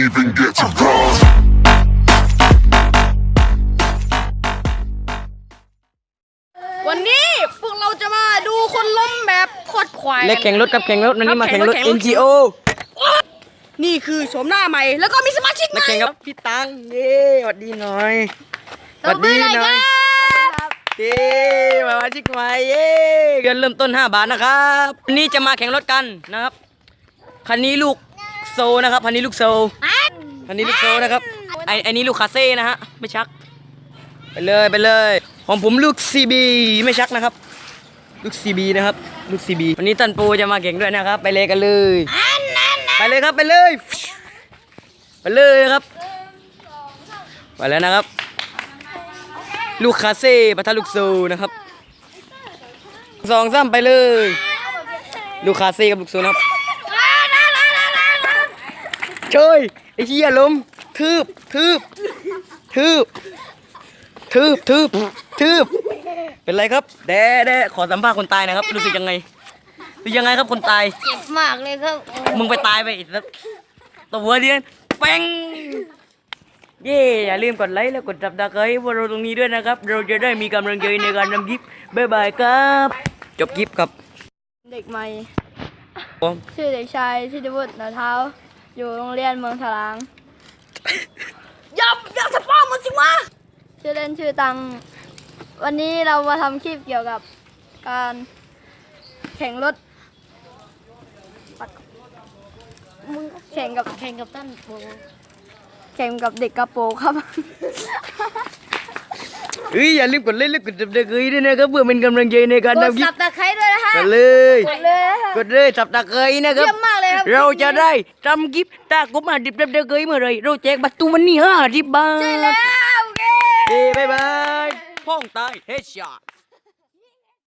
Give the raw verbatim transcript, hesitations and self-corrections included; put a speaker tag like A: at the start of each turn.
A: even get to cross.
B: วันนี้พวกเราจะมาดูคนล้มแบบโคตรควาย
C: เล็กแข่งรถกับแข่งรถวันนี้มาแข่งรถ เอ็น จี โอ
B: นี่คือโฉมหน้าใหม่แล้วก็มีสมาชิกให
C: มา
B: ม่
C: แข่งกับพี่ตังเย้สวัสดีหน่อยสวัสดีหน่อยเย้มาชิกใหม่เย้เงินเริ่มต้นห้าบาทนะครับวันนี้จะมาแข่งรถกันนะครับคันนี้ลูกโซนะครับคันนี้ลูกโซคันนี้ลูกโซนะครับไอไอนี้ลูกคาเซ่นะฮะไม่ชักไปเลยไปเลยของผมลูก ซี บี ไม่ชักนะครับลูก ซี บี นะครับลูก ซี บี วันนี้ตันปูจะมาแข่งด้วยนะครับไปเลยกันเลยไปเลยครับไปเลยไปเลยครับไปแล้วนะครับลูกคาเซ่ปะทะลูกโซนะครับสองสามไปเลยลูกคาเซ่กับลูกโซนะครับช่วยไอ้เหี้ยล้มทืบทืบทืบทืบทืบทืบเป็นไรครับแด่แด่ขอสัมภาษณ์คนตายนะครับรู้สึกยังไงรู้ยังไงครับคนตาย
D: เจ็บมากเลยครับ
C: มึงไปตายไปอีกแล้วตัวเดียนแป้งเย่อย่าลืมกดไลค์แล้วกดจับตะไคร้พวกเราตรงนี้ด้วยนะครับเราจะได้มีกำลังใจในการทำคลิปบ๊ายบายครับจบคลิปครับ
D: เด็กใหม่
C: ผม
D: ชื่อเด็กชายธิติวุฒิหนาเท้า อยู่โรงเรียนเมืองถลาง
B: อย่าอย่าสป้ามันสิวะ
D: ชื่อเล่นชื่อตัง วันนี้เรามาทำคลิปเกี่ยวกับการแข่งรถแข่งกับแข่งกับต้นโปแข่งกับเด็กกระโปรงครับ
C: เฮ้ยอย่าลืมกดไลค์และกดจับตะไคร้ด้วยนะครับเพื่อเป็นกำลังใจในการ
D: กด
C: ทำคลิ
D: สั
C: ป
D: บตะไคร้ด้วยนะฮะ
C: กันเลย
D: กดเลยนะคะ
C: กดเลยจับตะไคร้นะครับ
D: เยี่ยมมากเลยครับ
C: เราจะได้ทำคลิปตากบมาดิบจับตะไคร้เมื่อไรเราแจกบัตรตูวันนี้ห้าสิบบาท
D: ใช่แล้วโอเค
C: เอ้บ๊ายบายพ่องตายเฮดช็อต